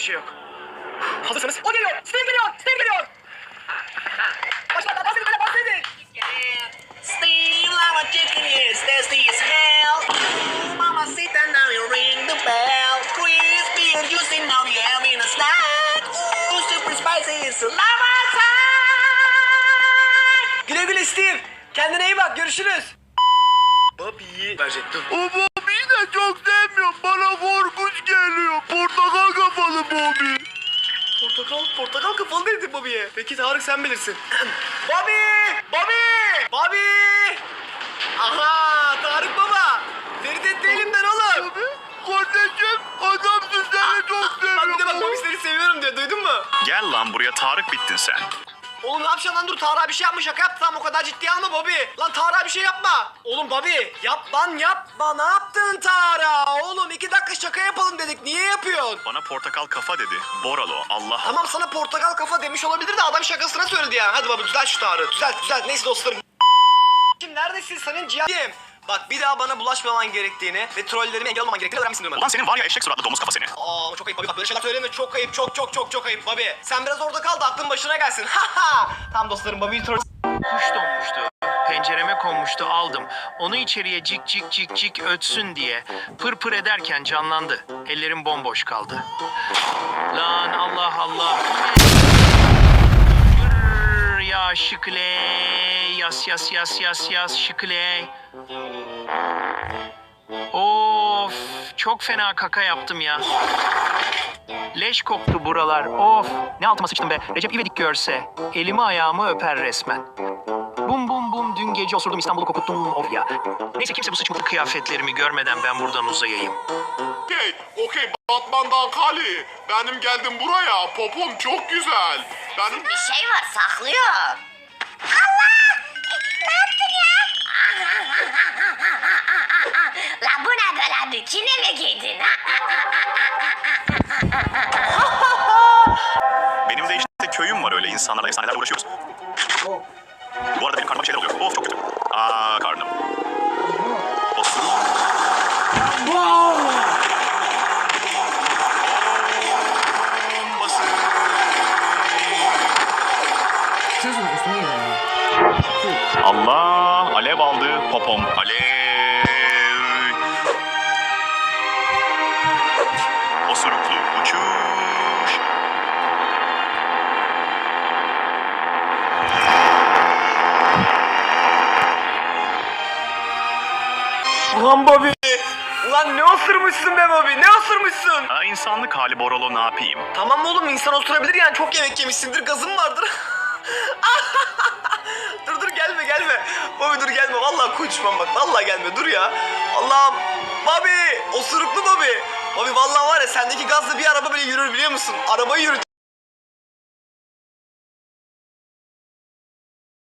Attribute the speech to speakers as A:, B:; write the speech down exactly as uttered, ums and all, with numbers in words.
A: şey yok. Hazırsanız. O geliyor. Steve geliyor. Steve geliyor. Başla. Bahsedin. Böyle bahsedin.
B: Steve, I'm a chicken, yes, tasty as hell. Ooh, mama, sit down now, you ring the bell. Crispy and juicy, now you're having a snack. Ooh, super spicy, it's lava time.
A: Güle güle Steve. Kendine iyi bak. Görüşürüz. Bobby'yi verecektim.
C: O Bobby'yi de çok sevmiyorum. Bana korkunç geliyor. Portakal kafalı Bobby.
A: Portakal, portakal kafalı dedim Bobby'ye. Peki Tarık sen bilirsin. Bobby! Bobby! Bobby! Aha! Tarık baba! Ferit elimden oğlum.
C: Bobby, kardeşim adamsın, seni çok
A: Bak bir de bak
C: seviyorum.
A: Bobby seni seviyorum diyor. Duydun mu?
D: Gel lan buraya, Tarık bittin sen.
A: Oğlum ne yapacaksın lan, dur Tarık bir şey yapmış, şaka yaptı, tamam o kadar ciddiye alma Bobby. Lan Tarık bir şey yapma. Oğlum Bobby yap lan yapma, ne yaptın Tarık? Oğlum iki dakika şaka yapalım dedik, niye yapıyorsun?
D: Bana portakal kafa dedi. Boralo, Allah.
A: Tamam sana portakal kafa demiş olabilir de adam şakasına söyledi ya. Hadi baba düzelt şu Tarık'ı, düzelt düzelt, neyse dostlarım. Şimdi neredesin senin ciğerim? Bak bir daha bana bulaşmaman gerektiğini ve trollerime engel olmaman gerektiğini öğrenmişsin
D: Ulan senin var ya eşek suratlı domuz kafa seni.
A: Aa çok ayıp Bobby, bak böyle şeyler söyleme, çok ayıp, çok çok çok çok ayıp Bobby. Sen biraz orada kal da aklın başına gelsin. Ha Tamam dostlarım, Bobby'yi troll...
E: Kuş donmuştu. Pencereme konmuştu, aldım. Onu içeriye cik cik cik cik ötsün diye pır pır ederken canlandı. Ellerim bomboş kaldı. Lan Allah Allah. Yürr ya şıkle. Yas yas yas yas yas şıkle. Of, çok fena kaka yaptım ya. Leş koktu buralar. Of, ne altıma sıçtım be. Recep İvedik görse elimi ayağımı öper resmen. Bum bum bum, dün gece osurdum İstanbul'u kokuttum, of ya. Neyse kimse bu sıçmalı kıyafetlerimi görmeden ben buradan uzayayım.
C: Okey, okey Batman'dan Kali. Benim geldim buraya. Popom çok güzel. Benim...
B: Bir şey var, saklıyor. Allah! Ne yaptın ya? La bu ne böyle, bikini mi giydin?
D: Benim de işte köyüm var, öyle insanlarla efsanelerle uğraşıyoruz. Bu arada benim karnıma bir şeyler oluyor. Of çok kötü. Aa karnım. Olsun. Bombası. Allah, alev aldı popom. Alev. Osuruklu uçuş.
A: Ulan Bobby! Ulan ne osurmuşsun be Bobby, ne osurmuşsun?
D: Ha, insanlık hali Boralo, ne yapayım?
A: Tamam oğlum, insan oturabilir yani, çok yemek yemişsindir, gazın vardır. dur dur gelme gelme. Bobby dur gelme, vallahi konuşmam bak, vallahi gelme, dur ya. Allah'ım. Bobby! Osuruklu Bobby. Bobby vallahi var ya, sendeki gazla bir araba bile yürür biliyor musun? Arabayı yürüt.